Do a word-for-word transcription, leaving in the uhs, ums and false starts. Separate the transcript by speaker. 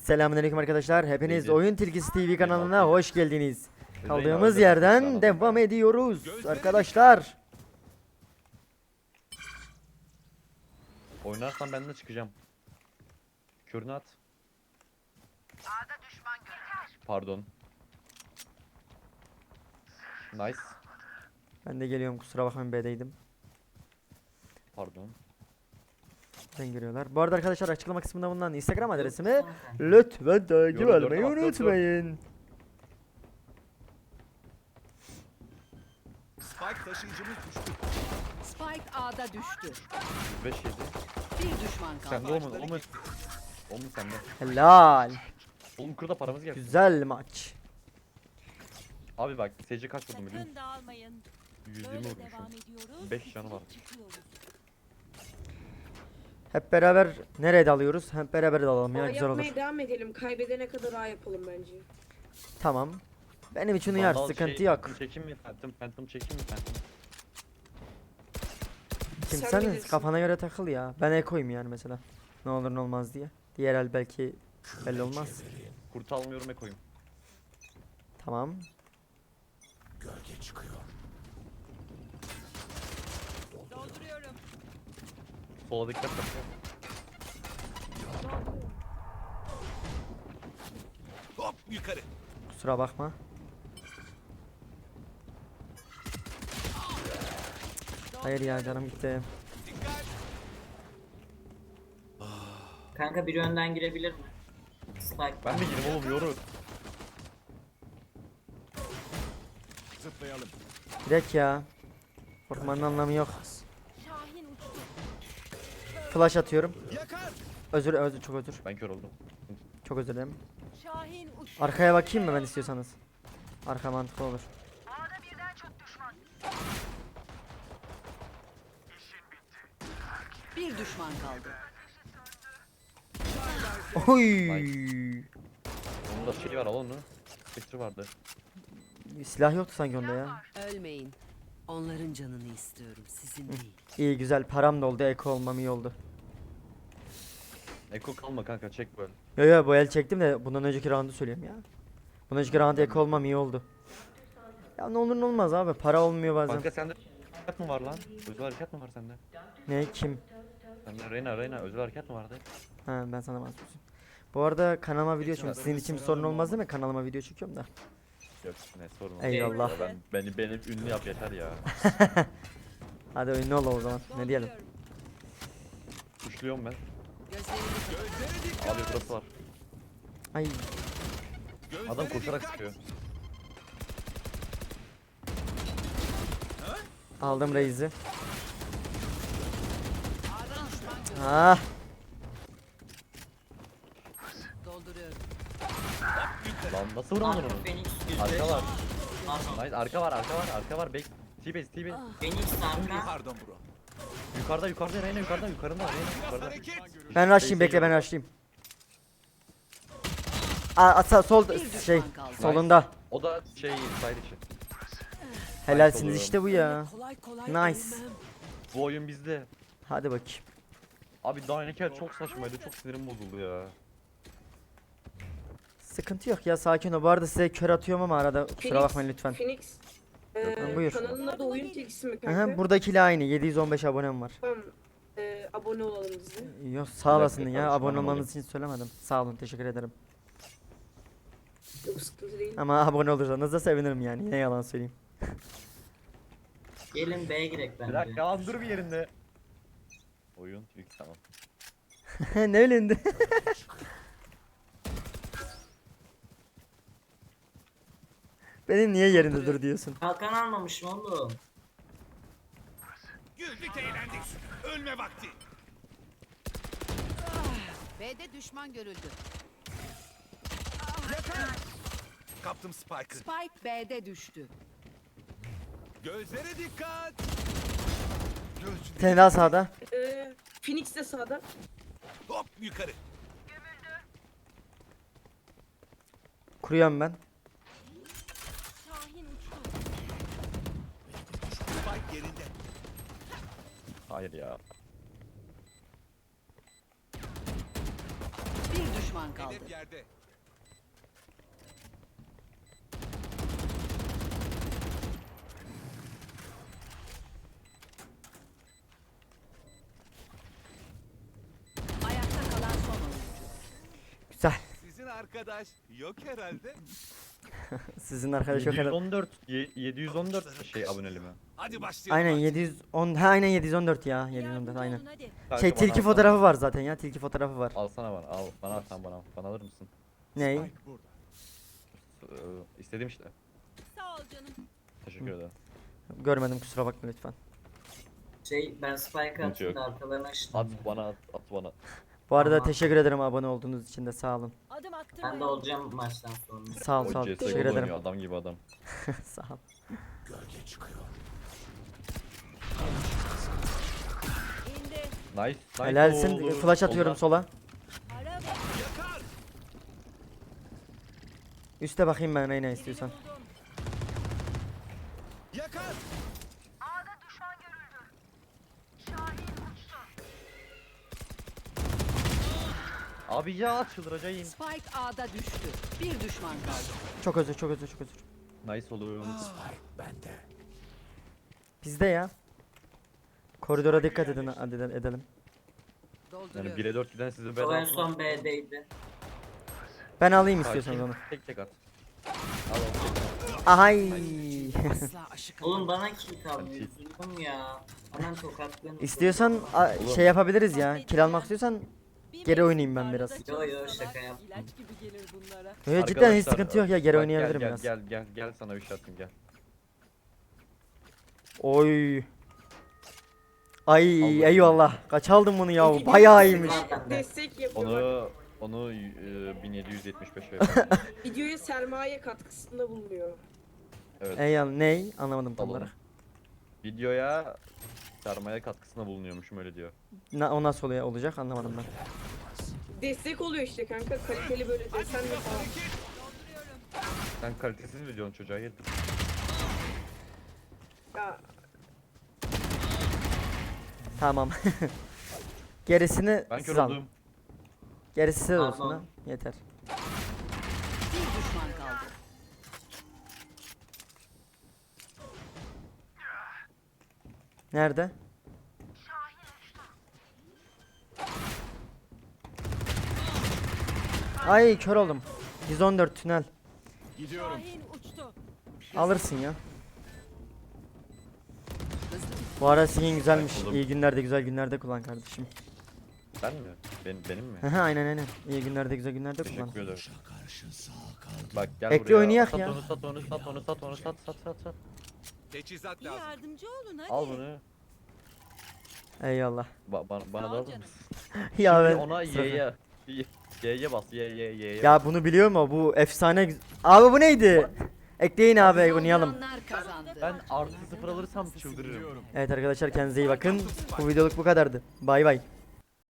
Speaker 1: Selamünaleyküm arkadaşlar. Hepiniz
Speaker 2: Neydi?
Speaker 1: Oyun Tilkisi T V kanalına
Speaker 2: Eyvallah.
Speaker 1: hoş geldiniz.
Speaker 2: Reyna
Speaker 1: Kaldığımız
Speaker 2: öyle
Speaker 1: yerden
Speaker 2: yapmış
Speaker 1: devam
Speaker 2: ya.
Speaker 1: ediyoruz arkadaşlar.
Speaker 2: Oynarsan ben de çıkacağım. Körünü at. Pardon. Nice.
Speaker 1: Ben de geliyorum, kusura bakmayın, B'deydim.
Speaker 2: Pardon.
Speaker 1: Ben giriyorlar. Bu arada arkadaşlar, açıklama kısmında bulunan Instagram adresimi lütfen takip
Speaker 2: Yoru,
Speaker 1: almayı
Speaker 2: dört, dört, dört.
Speaker 1: unutmayın.
Speaker 3: Spike taşıyıcımız düştü.
Speaker 4: Spike A'da düştü.
Speaker 2: beş yedi.
Speaker 4: Bir düşman kaldı.
Speaker 2: Sende olmadı. O mu? O mu sende?
Speaker 1: Helal.
Speaker 2: Oğlum kırda paramız geldi.
Speaker 1: Güzel maç.
Speaker 2: Abi bak S C kaç vurdum biliyor
Speaker 5: Sakın
Speaker 2: musun?
Speaker 5: dağılmayın.
Speaker 2: yüz yirmi
Speaker 5: Böyle
Speaker 2: vurmuşum.
Speaker 5: devam ediyoruz.
Speaker 2: beş canı var.
Speaker 5: Çıkıyoruz.
Speaker 1: Hep beraber nereye dalıyoruz? Hep beraber dalalım ya,
Speaker 6: A
Speaker 1: güzel olur.
Speaker 6: yapmaya devam edelim. Kaybedene kadar A yapalım bence.
Speaker 1: Tamam. Benim için uyar,
Speaker 2: Vandal
Speaker 1: sıkıntı
Speaker 2: şey,
Speaker 1: yok.
Speaker 2: Phantom çekeyim mi? Phantom, Phantom çekeyim mi? Phantom.
Speaker 1: Kim
Speaker 6: Sen
Speaker 1: sen
Speaker 6: bilirsin.
Speaker 1: kafana göre takıl ya. Ben ekoyum yani mesela. Ne olur ne olmaz diye. Diğer el belki belli olmaz.
Speaker 2: Kurt almıyorum ekoyum.
Speaker 1: Tamam.
Speaker 5: Dolduruyorum.
Speaker 2: Sola dikkat et.
Speaker 3: Hop yukarı.
Speaker 1: Kusura bakma. Hayır ya, canım gitti.
Speaker 3: Dikkat.
Speaker 7: Kanka biri önden girebilir mi? Spike.
Speaker 2: Ben de gireyim oğlum yoru.
Speaker 3: Zıplayalım.
Speaker 1: Direkt ya. Korkmanın anlamı yok.
Speaker 5: Şahin uçtu.
Speaker 1: Flash atıyorum.
Speaker 3: Yakar.
Speaker 1: Özür özür çok özür.
Speaker 2: Ben kör oldum.
Speaker 1: Çok özür dilerim.
Speaker 5: Şahin uçtu.
Speaker 1: Arkaya bakayım mı ben istiyorsanız? Arka mantıklı olur.
Speaker 4: Bir düşman kaldı.
Speaker 1: Oy!
Speaker 2: Onun da şey var al onu. Spectre vardı.
Speaker 1: Silah yoktu sanki onda ya.
Speaker 4: Ölmeyin. Onların canını istiyorum, sizin değil.
Speaker 1: İyi güzel, param da oldu, eko olmam iyi oldu.
Speaker 2: Eko kalma kanka çek böyle.
Speaker 1: Yo yo, bu el çektim de bundan önceki roundu söylüyorum ya. Bundan önceki round eko olmam iyi oldu. Ya ne olur ne olmaz abi, para olmuyor bazen.
Speaker 2: Kanka sende hareket mi var lan? Özel hareket mi var sende?
Speaker 1: Ne, kim?
Speaker 2: Sende Reyna Reyna özel hareket mi vardı?
Speaker 1: Ha, ben sana bahsediyorum. Bu arada kanalıma video çekiyorum. Sizin için bir sorun olmaz değil mi? Kanalıma video çekiyorum da.
Speaker 2: Yok ne sorun olmaz.
Speaker 1: Eyvallah.
Speaker 2: Ya Ben, beni, beni ünlü yap yeter ya.
Speaker 1: Hadi ünlü ol o zaman. Ne diyelim?
Speaker 5: Dolduruyorum.
Speaker 2: Kuşluyorum ben.
Speaker 4: Gözlerini
Speaker 3: Gözlere dikkat.
Speaker 2: Abi burası var.
Speaker 1: Ay,
Speaker 3: Gözlere
Speaker 2: Adam koşarak
Speaker 3: dikkat.
Speaker 2: sıkıyor.
Speaker 1: aldım Reis'i. Ah,
Speaker 4: dolduruyorum.
Speaker 2: Lan nasıl vuramadın
Speaker 7: Arka
Speaker 2: onu?
Speaker 7: Phoenix yüz beş.
Speaker 2: Arka var.
Speaker 7: Arka.
Speaker 2: Nice arka var arka var arka var. Back. T-base T-base.
Speaker 7: Phoenix arka.
Speaker 3: Pardon bro.
Speaker 2: Yukarıda yukarıda Reyna yukarıda yukarıda Reyna
Speaker 3: Biraz
Speaker 2: yukarıda.
Speaker 3: hareket.
Speaker 1: ben rushlayayım, bekle ben rushlayayım. Aa, asa sol
Speaker 4: Bir düşman
Speaker 1: şey
Speaker 4: kaldı.
Speaker 1: solunda.
Speaker 2: O da şey side içi.
Speaker 1: Helalsiniz
Speaker 2: oluyorum.
Speaker 1: işte bu ya.
Speaker 4: Kolay kolay
Speaker 1: Nice.
Speaker 4: ölmem.
Speaker 2: Bu oyun bizde.
Speaker 1: Hadi bakayım.
Speaker 2: Abi Dynaker çok saçmaydı çok sinirim bozuldu ya.
Speaker 1: Sıkıntı yok ya, sakin ol. Bu arada size kör atıyorum ama arada kusura
Speaker 6: Phoenix,
Speaker 1: bakmayın lütfen.
Speaker 6: Phoenix. Ee,
Speaker 1: Ha, buyur.
Speaker 6: Kanalın adı oyun tilkisi mi kanka?
Speaker 1: Aha, buradakiyle aynı. yedi yüz on beş abonem var.
Speaker 6: Tamam. Ee, abone olalım biz de.
Speaker 1: Yok, sağ olasın
Speaker 2: dakika,
Speaker 1: ya.
Speaker 2: kardeşim,
Speaker 1: Abone
Speaker 2: anlamadım.
Speaker 1: olmanız için söylemedim. Sağ olun, teşekkür ederim.
Speaker 6: Yok sıkıntı değil.
Speaker 1: Ama abone olursanız da sevinirim yani. Ne yalan söyleyeyim.
Speaker 7: Gelin B'ye girek
Speaker 2: Bir
Speaker 7: bence.
Speaker 2: dakika lan dur bir yerinde. Oyun ilk tamam.
Speaker 1: Ne öyle? Benim niye yerinde dur diyorsun?
Speaker 7: Kalkan almamışım oğlum.
Speaker 3: Güldük eğlendik. Ölme vakti.
Speaker 4: B'de düşman görüldü.
Speaker 3: Yakar. Kaptım Spike'ı.
Speaker 4: Spike B'de düştü.
Speaker 3: Gözlere dikkat. Gözlere.
Speaker 1: Tane daha sağda.
Speaker 6: Ee, Phoenix de sağda.
Speaker 3: Hop yukarı.
Speaker 1: Kuruyorum ben.
Speaker 5: Şahin uçtu.
Speaker 3: Spike yerinde.
Speaker 2: Hayır ya.
Speaker 4: Bir düşman kaldı.
Speaker 3: Hedef yerde.
Speaker 4: Ayakta kalan son oyuncu.
Speaker 1: Güzel.
Speaker 3: Sizin arkadaş yok herhalde.
Speaker 1: Sizin arkadaş yok herhalde.
Speaker 2: yedi yüz on dört ye- yedi yüz on dört şey aboneli mi?
Speaker 3: Hadi başlayalım.
Speaker 1: Aynen
Speaker 3: artık.
Speaker 1: yedi yüz on, ha aynen yedi yüz on dört ya. yedi yüz on dört
Speaker 5: Yardımcı
Speaker 1: aynen.
Speaker 5: olun hadi.
Speaker 2: Kanka
Speaker 1: Şey
Speaker 2: bana
Speaker 1: tilki
Speaker 2: alsana.
Speaker 1: fotoğrafı var zaten ya. Tilki fotoğrafı var.
Speaker 2: Alsana bana al. Bana at sen bana. Bana alır mısın?
Speaker 1: Ney?
Speaker 3: Spike burada.
Speaker 2: Ee, istedim işte.
Speaker 5: Sağ ol canım.
Speaker 2: Teşekkür ederim.
Speaker 1: Görmedim kusura bakma lütfen.
Speaker 7: Şey ben spike
Speaker 2: Sıkıntı
Speaker 7: attım
Speaker 2: yok.
Speaker 7: da arkalarına
Speaker 2: At
Speaker 7: açtım.
Speaker 2: bana at, at bana.
Speaker 1: Bu arada
Speaker 7: Tamam.
Speaker 1: teşekkür ederim abone olduğunuz için de sağ olun.
Speaker 5: Adım attırmayın.
Speaker 7: Ben de olacağım maçtan sonra.
Speaker 1: Sağ ol sağ
Speaker 2: O
Speaker 1: ol.
Speaker 2: C S
Speaker 1: Teşekkür
Speaker 2: oynuyor,
Speaker 1: ederim.
Speaker 2: adam gibi adam.
Speaker 1: Sağ ol.
Speaker 3: Gölge çıkıyor.
Speaker 5: İndi.
Speaker 2: Nice. nice
Speaker 1: Helalsin.
Speaker 2: oldu.
Speaker 1: Flash atıyorum
Speaker 2: Solda.
Speaker 1: sola.
Speaker 5: Ara bak.
Speaker 3: Yakar.
Speaker 1: Üste bakayım ben Reyna istiyorsan.
Speaker 5: Birini buldum.
Speaker 3: Yakar.
Speaker 2: Abi ya çıldıracağım.
Speaker 4: Spike A'da düştü. Bir düşman kaldı.
Speaker 1: Çok özür çok özür çok özür.
Speaker 2: Nice olur.
Speaker 3: Bende.
Speaker 1: Bizde ya. Koridora dikkat edin hadi ede- edelim.
Speaker 4: Dolduruyorum.
Speaker 2: Yani bire dört giden sizi ben
Speaker 7: O en
Speaker 2: aldım.
Speaker 7: son B'deydi.
Speaker 1: Ben alayım
Speaker 2: Sakin.
Speaker 1: istiyorsanız onu.
Speaker 2: Tek tek at. Al al tek at.
Speaker 1: Ahay.
Speaker 4: Asla aşık
Speaker 7: Oğlum bana kill kalmıyor.
Speaker 2: Hadi.
Speaker 7: Üzüldüm ya. Hemen tokatlayın.
Speaker 1: İstiyorsan a- şey yapabiliriz ya. Kill almak istiyorsan
Speaker 5: Bir
Speaker 1: Geri
Speaker 5: mevsim
Speaker 1: oynayayım ben
Speaker 5: arada
Speaker 1: biraz.
Speaker 7: Yo, yo,
Speaker 5: çalışsalar
Speaker 7: şaka yap.
Speaker 5: İlaç gibi gelir bunlara.
Speaker 1: Yo, cidden hiç
Speaker 2: Arkadaşlar,
Speaker 1: sıkıntı yok ya geri
Speaker 2: bak,
Speaker 1: oynayabilirim
Speaker 2: gel,
Speaker 1: biraz.
Speaker 2: Gel gel gel gel sana bir şey atayım gel.
Speaker 1: Oy. Ay
Speaker 2: Allah'ım.
Speaker 1: eyvallah. Kaç aldın bunu ya? Bayağı iyiymiş.
Speaker 6: Destek yapıyor.
Speaker 2: Onu onu e, bin yedi yüz yetmiş beşe yapalım.
Speaker 6: Videoya sermaye katkısında bulunuyor.
Speaker 2: Evet.
Speaker 1: Eyvallah. Ney? Anlamadım tam
Speaker 2: Alalım.
Speaker 1: olarak.
Speaker 2: Videoya sermaye katkısında bulunuyormuşum öyle diyor.
Speaker 1: Na, o nasıl oluyor, olacak anlamadım ben.
Speaker 6: Destek oluyor işte kanka. Kaliteli böyle desenle falan.
Speaker 2: Sen kalitesiz videonun çocuğa yedir.
Speaker 6: Ya
Speaker 1: Tamam. Gerisini
Speaker 2: Ben
Speaker 1: siz
Speaker 2: kör
Speaker 1: alın.
Speaker 2: oldum.
Speaker 1: Gerisi size
Speaker 7: Tamam.
Speaker 1: olsun ha. Yeter.
Speaker 4: Bir düşman kaldı.
Speaker 1: Nerede? Ay kör oldum. yüz on dört tünel.
Speaker 3: Gidiyorum.
Speaker 5: Şahin uçtu.
Speaker 1: Alırsın ya.
Speaker 4: Hızlı.
Speaker 1: Bu ara skin güzelmiş.
Speaker 2: Oğlum.
Speaker 1: İyi günlerde güzel günlerde kullan kardeşim.
Speaker 2: Sen mi? Ben, benim mi?
Speaker 1: Aha aynen aynen. İyi günlerde güzel günlerde kullan.
Speaker 2: Teşekkür ederim. Bak gel
Speaker 1: Ekle
Speaker 2: buraya.
Speaker 1: oynayak
Speaker 2: sat
Speaker 1: ya.
Speaker 2: Onu, sat onu sat onu sat onu sat sat sat sat.
Speaker 3: Teçhizat
Speaker 5: Bir
Speaker 3: lazım.
Speaker 5: yardımcı olun hadi.
Speaker 2: Al bunu.
Speaker 1: Eyvallah.
Speaker 2: Ba bana, bana
Speaker 5: Sağ
Speaker 2: da
Speaker 5: ol
Speaker 2: alır
Speaker 5: canım.
Speaker 2: mısın?
Speaker 1: Ya
Speaker 2: Şimdi
Speaker 1: ben
Speaker 2: ona
Speaker 1: Sıra-
Speaker 2: Y'ye. Y'ye bas Y Y Y'ye.
Speaker 1: Ya bunu biliyor mu? Bu efsane güz- Abi bu neydi? Ekleyin abi oynayalım.
Speaker 4: Saldıranlar kazandı.
Speaker 2: Ben artı sıfır alırsam çıldırırım.
Speaker 1: Evet arkadaşlar kendinize iyi bakın. Bu videoluk bu kadardı. Bay bay.